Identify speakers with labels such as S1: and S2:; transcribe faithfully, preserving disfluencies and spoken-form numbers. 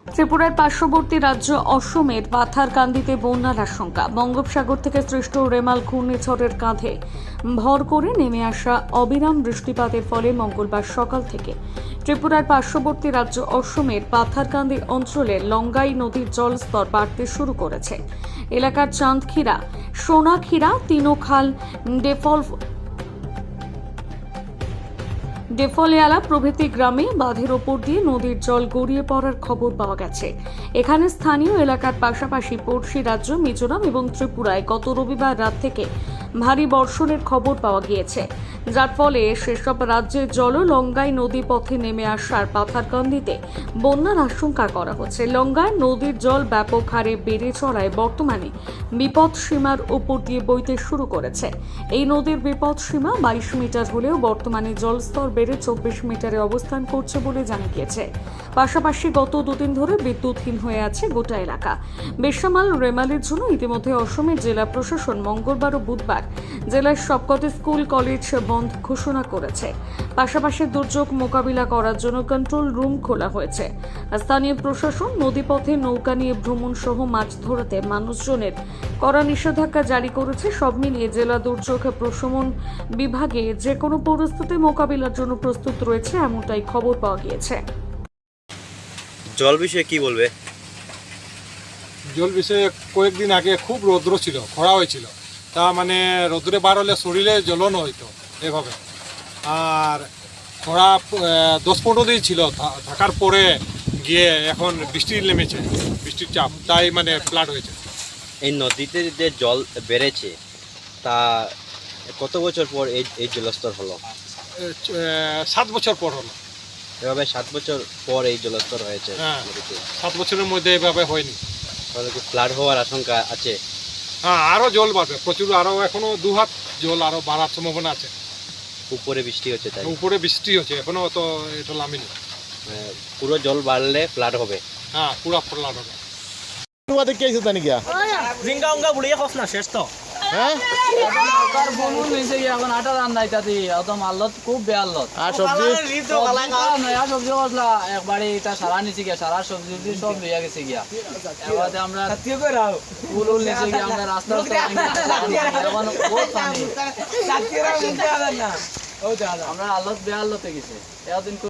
S1: ত্রিপুরার পার্শ্ববর্তী রাজ্য অসমের পাথারকান্দিতে বন্যার আশঙ্কা। বঙ্গোপসাগর থেকে সৃষ্ট রেমাল ঘূর্ণিঝড়ের কাঁধে ভর করে নেমে আসা অবিরাম বৃষ্টিপাতের ফলে মঙ্গলবার সকাল থেকে ত্রিপুরার পার্শ্ববর্তী রাজ্য অসমের পাথারকান্দি অঞ্চলে লঙ্গাই নদীর জলস্তর বাড়তে শুরু করেছে। এলাকার চাঁদখিরা, সোনাখিরা, তিনোখাল, ডেফল ডেফলিয়ালা প্রভৃতি গ্রামে বাঁধের ওপর দিয়ে নদীর জল গড়িয়ে পড়ার খবর পাওয়া গেছে। এখানে স্থানীয় এলাকার পাশাপাশি পড়শি রাজ্য মিজোরাম এবং ত্রিপুরায় গত রবিবার রাত থেকে ভারী বর্ষণের খবর পাওয়া গিয়েছে, যার ফলে সেসব রাজ্যের জল লঙ্গাই নদী পথে নেমে আসার পাথারকান্দিতে বন্যার আশঙ্কা করা হচ্ছে। লঙ্গাই নদীর জল ব্যাপক হারে বেড়ে চড়ায় বর্তমানে বিপদ সীমার উপর দিয়ে বইতে শুরু করেছে। এই নদীর বিপদ সীমা বাইশ মিটার হলেও বর্তমানে জলস্তর বেড়ে চব্বিশ মিটারে অবস্থান করছে বলে জানা গিয়েছে। পাশাপাশি গত দুদিন ধরে বিদ্যুৎহীন হয়ে আছে গোটা এলাকা। বেসামাল রেমালের জন্য ইতিমধ্যে অসমের জেলা প্রশাসন মঙ্গলবার ও বুধবার জেলার সবকটি স্কুল কলেজ বন্ধ ঘোষণা করেছে। পাশাপাশি দুর্যোগ মোকাবিলা করার জন্য কন্ট্রোল রুম খোলা হয়েছে। স্থানীয় প্রশাসন নদীপথে নৌকা নিয়ে ভ্রমণ সহ মাছ ধরাতে মানুষজনের কড়া নিষেধাজ্ঞা জারি করেছে। সব মিলিয়ে জেলা দুর্যোগ প্রশমন বিভাগে যে কোনো পরিস্থিতি মোকাবিলার জন্য প্রস্তুত রয়েছে, এমনটাই খবর পাওয়া গিয়েছে।
S2: জল বিষয়ে কি বলবে?
S3: জল বিষয়ে কয়েকদিন আগে খুব রৌদ্র ছিল, খরা হয়েছিল। তা মানে রৌদ্রে বার হলে শরীরে জ্বলন হইতো এভাবে। আর খরা দশ পনেরো দিন ছিল, থাকার পরে গিয়ে এখন বৃষ্টি নেমেছে, বৃষ্টির চাপ, তাই মানে ফ্লাড হয়েছে।
S2: এই নদীতে যে জল বেড়েছে তা কত বছর পর এই এই জলস্তর হলো?
S3: সাত বছর পর হলো।
S2: এভাবে সাত বছর পর এই জলস্তর হয়েছে
S3: হ্যাঁ,
S2: নদীতে।
S3: সাত বছরের মধ্যে এভাবে হয়নি।
S2: তাহলে কি ফ্লাড হওয়ার আশঙ্কা আছে?
S3: হ্যাঁ, আরও জল বাড়বে প্রচুর, আরও এখনো দু হাত জল আরও বাড়ার সম্ভাবনা আছে।
S2: উপরে বৃষ্টি হচ্ছে তাই
S3: উপরে বৃষ্টি হচ্ছে, এখনো তো এটা নামেনি।
S2: মানে পুরো জল বাড়লে ফ্লাড হবে।
S3: হ্যাঁ, পুরা ফ্লাড হবে।
S4: দেখি আইছো তানি গিয়া
S5: জিঙ্গা উঙ্গা বুড়িয়ে খস না শেষ তো
S4: হ্যাঁ
S5: কার বনুন নিছে কি এখন আটা রান নাই তাতি একদম আল্লত খুব বেআল্লত
S4: আর সবজি
S5: নয়া সবজি কসলা একবারে এটা সারা নিছে গিয়া সারা সবজি সব লইয়া গেছে গিয়া এবারে আমরা সাথীও করাও ফুল উল নিছে গিয়া আমরা রাস্তা রাস্তা এখন বহুত পানি সাথীরা উঠতে আলা না ও আমরা আল্লত বেআল্লতে গেছে এদিন